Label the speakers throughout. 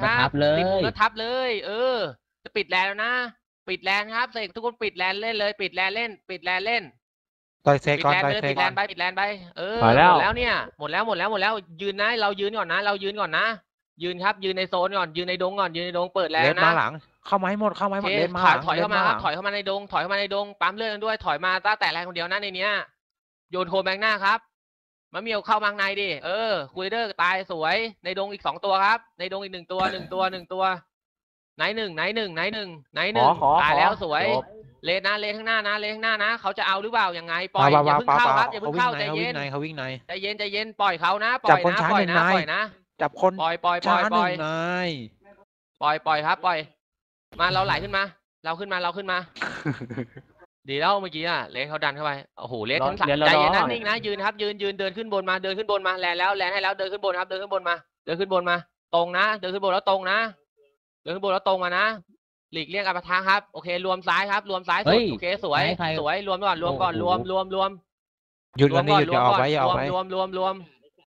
Speaker 1: ครับ
Speaker 2: ติดมุมแล้วทับเลยจะปิดแลนแล้วนะปิดแลนครับเสกทุกคนปิดแลนเล่นเลยปิดแลนเล่นปิดแลนเล่น
Speaker 3: ต่อยเซก่อนต่อย
Speaker 2: ปิ
Speaker 3: เซ
Speaker 2: ดแล
Speaker 3: ก่อน
Speaker 2: นไปปิดแลนไป
Speaker 1: ถอยแล้
Speaker 2: หม
Speaker 1: ว
Speaker 2: ดแล้วเนี่ยหมดแล้วยืนนะเรายืนก่อนนะเรายืนก่อนนะยืนครับยืนในโซนก่อนยืนในดงก่อนยืนในดงเปิดแลน
Speaker 3: เลน
Speaker 2: นะ
Speaker 3: มาหลังเข้ามาให้หมดเลนมาหลัง
Speaker 2: ถอยเข้ามาครับถอยเข้ามาในดงถอยเข้ามาในดงปั๊มเลือดด้วยถอยมาตั้งแต่แรงคนเดียวนะในเนี้ยโยนโทแบงหน้าครับมะเมียวเข้ามาข้างในดิคูลเดอร์ตายสวยในดงอีก2ตัวครับในดงอีก1ตัวไหนหนึ่งตายแล้วสวยเลนนะเลนข้างหน้านะเลนข้างหน้านะเขาจะเอาหรือเปล่ายังไงปล่อยอย่าเพิ่งเข้าครับอย่าเพิ่งเข้าใจเย็น
Speaker 3: เขาวิ่งใน
Speaker 2: ใจเย็นปล่อยเขานะปล่อยนะปล่อยนะ
Speaker 3: จับคน
Speaker 2: ปล่อย
Speaker 3: ช้าหนึ่งนาย
Speaker 2: ปล่อยครับปล่อยมาเราไหลขึ้นมาเราขึ้นมาดีแล้วเมื่อกี้เลนเขาดันเข้าไปโอ้โหเลนทั้งสามใจเย็นนะนิ่งนะยืนครับยืนเดินขึ้นบนมาแลนให้แล้วเดินขึ้นบนครับเดินขึ้นบนมาตรงนะเดินขึ้นบนแล้วตรงนะเดินขึ้นบนแล้วตรงมานะหลีกเลี่ยงการปะทะครับโอเครวมซ้ายครับรวมซ้ายสุดโอเคสวยรวมก่อนรวม
Speaker 3: หยุดกันนี่หยุดอย่าออกไป
Speaker 2: รวม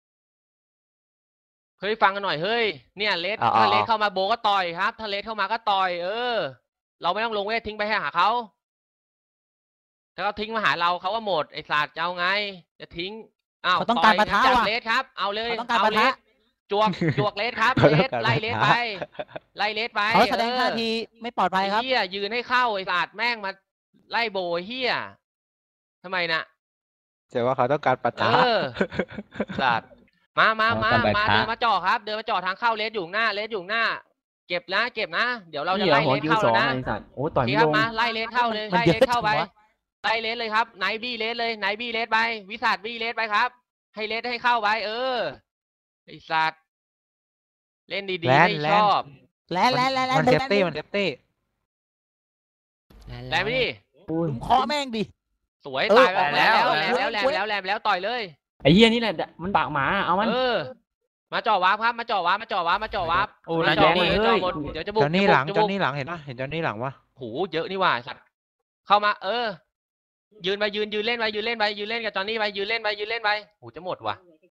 Speaker 2: เฮ้ยฟังกันหน่อยเฮ้ยเนี่ยเลสถ้าเลสเข้ามาโบก็ต่อยครับถ้าเลสเข้ามาก็ต่อยเราไม่ต้องลงเวททิ้งไปให้หาเขาถ้าเขาทิ้งมาหาเราเขาก็หมดไอ้ศาสตร์จะเอาไงจะทิ้ง
Speaker 4: เขาต้องการปะทะว่ะ
Speaker 2: เลสครับเอาเลย
Speaker 4: เอาเลส
Speaker 2: จวกเลสครับไล่เลสไป
Speaker 4: เขาแสดงท่าทีไม่ปลอดภัยครับ
Speaker 2: เฮียยืนให้เข้าไอ้ศาสตร์แม่งมาไล่โบเฮียทำไมนะ
Speaker 3: แต่ว่าเขาต้องการปะทะ
Speaker 2: ศาสตร์มาเดินมาจ่อครับเดินมาจ่อทางเข้าเลสอยู่หน้าเก็บนะเดี๋ยวเราจะไล่เลสเข้าแล้วนะ
Speaker 1: โอ้ต่อยไม่ลง
Speaker 2: มาไล่เลสเข้าเลยไล่เลสเข้าไปไล่เลสเลยครับไหนบี้เลสเลยไหนบี้เลสไปวิสัทบี้เลสไปครับให้เลสให้เข้าไปไอ้สัตว์เล่นดีๆไม่ชอบ
Speaker 4: แล้ว
Speaker 3: มันเซฟตี้
Speaker 2: แลมไปดิ
Speaker 4: เคาะแม่งดิ
Speaker 2: สวยตายแล้วต่อยเลย
Speaker 1: ไอ้เหี้ยนี่แหละมันปากหมาเอามัน
Speaker 2: มาจ่อวาร์ปครับมาจ่อวาร์ป
Speaker 1: โอ้นายแดงเลย
Speaker 2: เดี๋ยวจะบุก
Speaker 3: เจ้านี่หลังเห็นปะเห็นเจ้านี่หลังวะ
Speaker 2: โหเยอะนี่ว่าสัตว์เข้ามายืนไปยืนเล่นไปยืนเล่นกับจอนนี่ไปยืนเล่นไปโหจะหมดว่ะ